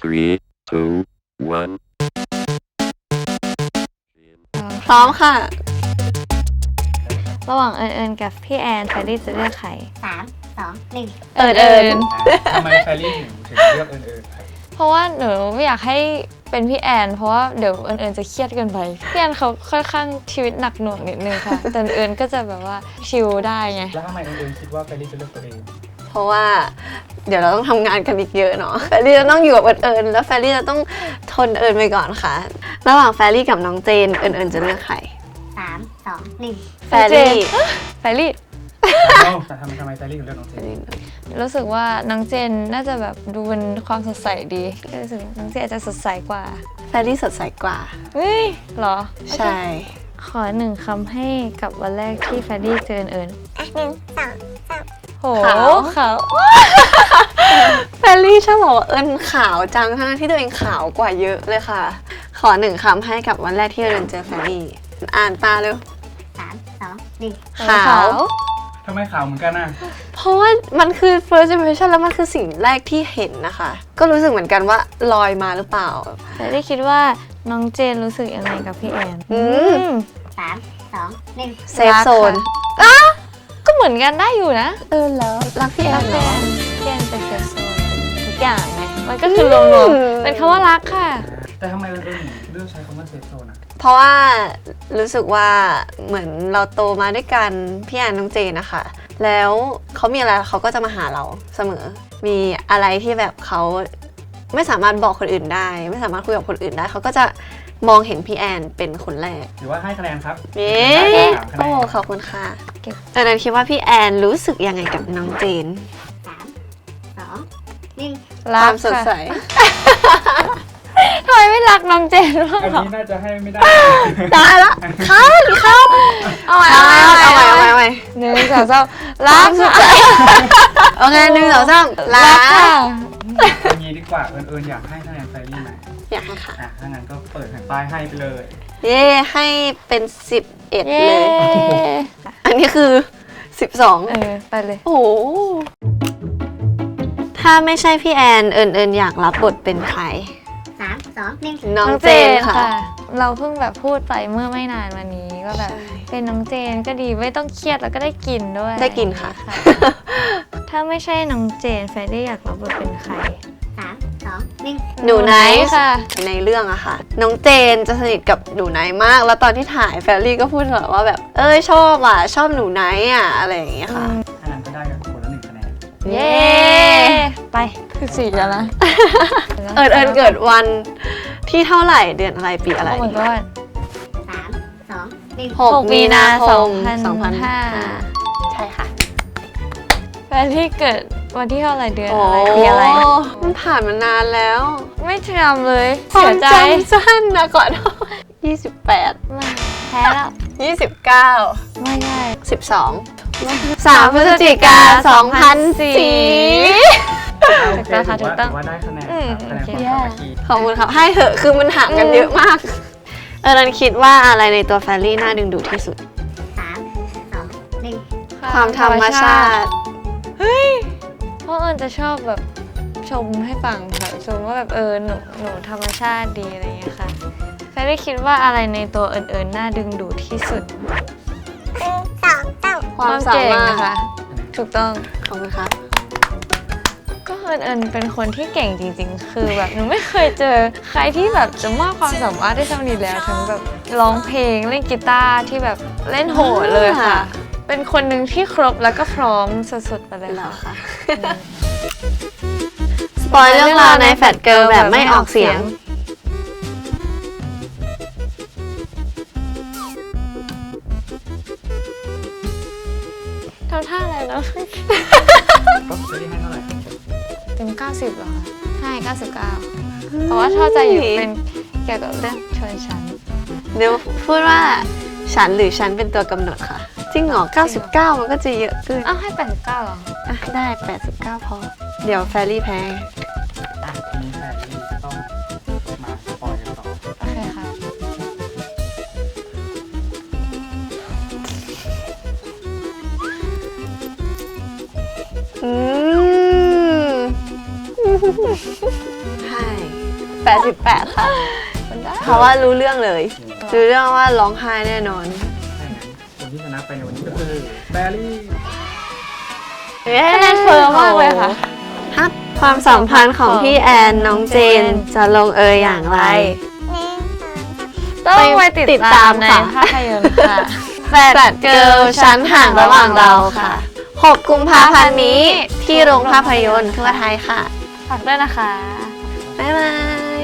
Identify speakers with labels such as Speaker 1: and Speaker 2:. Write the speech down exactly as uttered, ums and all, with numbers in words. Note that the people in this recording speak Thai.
Speaker 1: three, two, one.
Speaker 2: พร้อมค่ะ
Speaker 3: ระหว่างเอิญเอิญกับพี่แอนแฟรรี่จะเลือกใคร
Speaker 4: สามสองหนึ่ง
Speaker 3: เอิญเอิญ
Speaker 5: ทำไมแฟรรี่ถึงถึงเลือกเอิญเอิญครับ
Speaker 3: เพราะว่าหนูไม่อยากให้เป็นพี่แอนเพราะว่าเดี๋ยวเอิญเอิญจะเครียดเกินไปพี่แอนเขาค่อนข้างชีวิตหนักหน่วงนิดนึงค่ะ แต่เอิญก็จะแบบว่าชิลได้ไง
Speaker 5: แล้วทำไมเอิญเอิญคิดว่าแฟรรี่จะเลือกตัวเอง
Speaker 2: เพราะว่าเดี๋ยวเราต้องทำงานกันอีกเยอะเนาะแฟรรี่จะต้องอยู่กับเอิญเอิญแล้วแฟรรี่จะต้องทนเอิญไปก่อนค่ะ ระหว่างแฟรรี่กับน้องเจนเอิญเอิญจะเลือกใคร
Speaker 4: สามสองหนึ่ง
Speaker 2: แฟรรี่
Speaker 3: แฟรรี่
Speaker 5: เอ้าแต่ทำไมทำไมแฟรรี่ถึงเลือกน้องเจน
Speaker 3: รู้สึกว่าน้องเจนน่าจะแบบดูเป็นความสดใสดีก็รู้สึกน้องเจนอาจจะสดใสกว่า
Speaker 2: แฟรรี่สดใสกว่า
Speaker 3: เฮ้ยเหรอ
Speaker 2: ใช่
Speaker 3: ขอหนึ่งคำให้กับวันแรกที่แฟรรี่เจอเอิญ
Speaker 4: อ่ะหนึ่งสอง
Speaker 3: โหขาว
Speaker 2: แฟรรี่ชอบบอกว่าเอิญขาวจังทั้งที่ตัวเองขาวกว่าเยอะเลยค่ะ ขอหนึ่งคำให้กับวันแรกที่เอิญเจอแฟรรี่อ่านตาเร็ว
Speaker 4: สามสองหนึ่ง
Speaker 2: ขาว
Speaker 5: ทำไมขาวเหมือนกันน่ะ
Speaker 2: เพราะว่ามันคือ first impression แล้วมันคือสิ่งแรกที่เห็นนะคะ ก็รู้สึกเหมือนกันว่าลอยมาหรือเปล่า
Speaker 3: แฟรรี่คิดว่าน้องเจนรู้สึกยังไงกับพี่แอน
Speaker 2: อืม
Speaker 4: สามสองหนึ่ง
Speaker 2: เซฟโซน
Speaker 3: ก็เหมือนกันได้อยู่นะ
Speaker 2: เออแล้วรักพี่แอ
Speaker 3: รั
Speaker 2: น
Speaker 3: ก
Speaker 2: เหร
Speaker 3: แฟ
Speaker 2: อน
Speaker 3: พี่แอนเป็นเซฟโซนทุกอย่างไงมันก็คือรวมๆเป็นคำว่ารักค่ะ
Speaker 5: แต่ทำไมเอิญเอิญถึงเลือกใช้คำว่าเซฟโซนอ่ะ
Speaker 2: เพราะว่ารู้สึกว่าเหมือนเราโตมาด้วยกันพี่แอนน้องเจนนะคะ แล้วเขามีอะไรเขาก็จะมาหาเราเสมอ มีอะไรที่แบบเขาไม่สามารถบอกคนอื่นได้ ไม่สามารถคุยกับคนอื่นได้เขาก็จะมองเห็นพี่แอนเป็นคนแรก
Speaker 5: หรือว่าให้คะแนนครับ
Speaker 2: เย้
Speaker 5: สามคะแน
Speaker 2: โอ้
Speaker 5: น
Speaker 2: ขอบคุณค่ะ
Speaker 3: เก็บ
Speaker 2: ตอนนั้นคิดว่าพี่แอนรู้สึกยังไงกับน้องเจน
Speaker 4: สามสองหนึ่ง
Speaker 2: ค
Speaker 3: รั
Speaker 2: วาก มสดใส
Speaker 3: ทำไมไม่รักน้องเจนบ้าง
Speaker 5: อัน
Speaker 3: เหรอ
Speaker 5: นี้น่าจะให้ไม่ได้
Speaker 2: ตายละครับครับ
Speaker 3: เอาใหม่
Speaker 2: เอา
Speaker 3: เอา
Speaker 2: ไว้
Speaker 3: ใหม่
Speaker 2: เอาไว้เอาไว้เอาไว้
Speaker 3: หนึ่งสองสามรักค่ะ
Speaker 2: โอเคหนึ่งสองสามลา
Speaker 3: รักค่ะ
Speaker 5: อย่างนี้ดีกว่าเอิญเอิญอยากให้คะแนนแฟรรี่ไหม
Speaker 2: อยากให้ค่ะ
Speaker 5: อ่ะถ้างั้นก็เปิดแผ่นป้ายให้ไปเลย
Speaker 2: เย่ให้เป็นสิบเอ็ด
Speaker 3: เย้
Speaker 2: เลย อันนี้คือสิบสอง
Speaker 3: เออไปเลย
Speaker 2: โอ้โหถ้าไม่ใช่พี่แอนเอิญเอิญอยากรับบทเป็นใคร
Speaker 4: สามสองหนึ่ง
Speaker 2: น้องเจนค่ะ
Speaker 3: เราเพิ่งแบบพูดไปเมื่อไม่นานมานี้ก็แบบ
Speaker 2: ใช่
Speaker 3: เป็นน้องเจนก็ดีไม่ต้องเครียดแล้วก็ได้กินด้วย
Speaker 2: ได้กินค่ะ
Speaker 3: ถ้าไม่ใช่น้องเจนแฟรรี่อยากรับบทเป็นใคร
Speaker 4: สามสองหนึ่ง
Speaker 2: หนูไนท์
Speaker 3: ค่ะ
Speaker 2: ในเรื่องอะค่ะ น้องเจนจะสนิทกับหนูไนท์มาก แล้วตอนที่ถ่ายแฟรรี่ก็พูดตลอดว่าแบบ เอ้ยชอบอ่ะ ชอบหนูไนท์อ่ะ อะไรอย่างเงี้ยค่ะ
Speaker 5: ถ้างั้นก็ได้กันคนละหนึ่งคะแนน
Speaker 3: เย้ ไปคือสี่แล้วนะ
Speaker 2: เอิญเอิญเกิดวันที่เท่าไหร่เดือนอะไรปีอะไร
Speaker 3: โอ้ my god
Speaker 4: สามสองหนึ่ง
Speaker 2: หกมีนาคม
Speaker 3: ส
Speaker 2: ส
Speaker 3: อ
Speaker 2: อง ง
Speaker 3: พั
Speaker 2: พั
Speaker 3: น
Speaker 2: น
Speaker 3: ห้า
Speaker 2: ห้าใช่ค่ะ
Speaker 3: แฟรรี่เกิดวันที่เท่าไหร่เดือนอะไรปีอะไร
Speaker 2: มันผ่านมานานแล้ว
Speaker 3: ไม่จำเลย
Speaker 2: ควา
Speaker 3: เสี
Speaker 2: ม
Speaker 3: ยใจ
Speaker 2: จำสั้นนะก่อน ยี่สิบแปด
Speaker 3: ไม่แพ้แล้ว
Speaker 2: ยี่สิบเก้า
Speaker 3: ไม่ได้
Speaker 2: สิบสองสามพฤศจิกาสองพันสี่
Speaker 5: โอเค
Speaker 3: ถูกต้องค่ะ
Speaker 5: ถือว่า
Speaker 3: ถูกต้อง
Speaker 5: ถือว่าได้คะแนน
Speaker 3: อืม
Speaker 5: ครับคะแนน
Speaker 3: โอเค
Speaker 5: ความสามัคคี
Speaker 2: ขอบคุณครับ ให้เถอะคือมันห่างกันเยอะมาก เออนันคิดว่าอะไรในตัวแฟรรี่น่าดึงดูดที่สุด
Speaker 4: สามสองหนึ่ง
Speaker 2: ความธรรมชาติ
Speaker 3: เพราะเอิญจะชอบแบบชมให้ฟังค่ะชมว่าแบบเออหนูหนูธรรมชาติดีอะไรอย่างเงี้ยค่ะแฟรรี่คิดว่าอะไรในตัวเอิญเอิญน่าดึงดูดที่สุด
Speaker 4: หนึ่งสองสาม
Speaker 2: ความสา
Speaker 3: เก่ง
Speaker 2: มารถ
Speaker 3: นะคะ ถูกต้อง
Speaker 2: ขอบคุณครับ
Speaker 3: ก็เอิญเอิญเป็นคนที่เก่งจริงๆ คือแบบหนูไม่เคยเจอใครที่แบบจะมากความสามารถได้เท่านี้แล้วทั้งแบบร้องเพลงเล่นกีตาร์ที่แบบเล่นโหดเลยค่ะ เป็นคนหนึ่งที่ครบแล้วก็พร้อมสุดๆไปเลย
Speaker 2: เหรอ
Speaker 3: ค่ะ
Speaker 2: คะ สปอยเรื่องราวในแฟตเกิร์ลแบบไม่ออกเสียง
Speaker 3: ทำท่าอะไรนะ
Speaker 5: ก็แฟรรี่ให้เท่าไหร่
Speaker 3: เต็มเก้าสิบเหรอคะให้เก้าสิบเก้าเพราะว่าชอบใจอยู่เป็นเกี่ยวกับเรื่องชนชั้น
Speaker 2: เดี๋ยวพูดว่าฉันหรือฉันเป็นตัวกำหนดค่ะ จริงเหรอ เก้าสิบเก้า มันก็จะเยอะเกิน
Speaker 3: อ้าวให้แปดสิบเก้าเหรอ
Speaker 2: อ่ะได้ แปดสิบเก้า พอ เดี๋ยวแฟรรี่แพ้
Speaker 5: อ่ะทีนี้แฟรรี่จะต้องมาสปอยกันต่อ
Speaker 3: โอเคค่ะ
Speaker 2: อืม ใช่แปดสิบแปดค่ะ เพราะว่ารู้เรื่องเลย รู้เรื่องว่าร้องไห้แน่นอน
Speaker 5: ถ้าอย่างนั้นคนที่ชนะไปในวันนี้ก็คือแบรี่
Speaker 3: คะแนนเฟิร์มมากเลยค่ะ
Speaker 2: ฮับความสัมพันธ์ของพี่แอนน้องเจนจะลงเอยอย่างไร
Speaker 3: ต้องไปติด
Speaker 2: ติด
Speaker 3: ตา
Speaker 2: ตาม ม
Speaker 3: ใน
Speaker 2: ค่ะ
Speaker 3: ภาพยนตร์ค่ะ
Speaker 2: แฟลตเกิร์ลชั้นห่างระหว่างเราค่ะ หก กุมภาพันธ์นี้ที่โรงภาพยนตร์ทั่วไทยค่ะ
Speaker 3: ฝากด้วยนะคะ
Speaker 2: บ๊ายบาย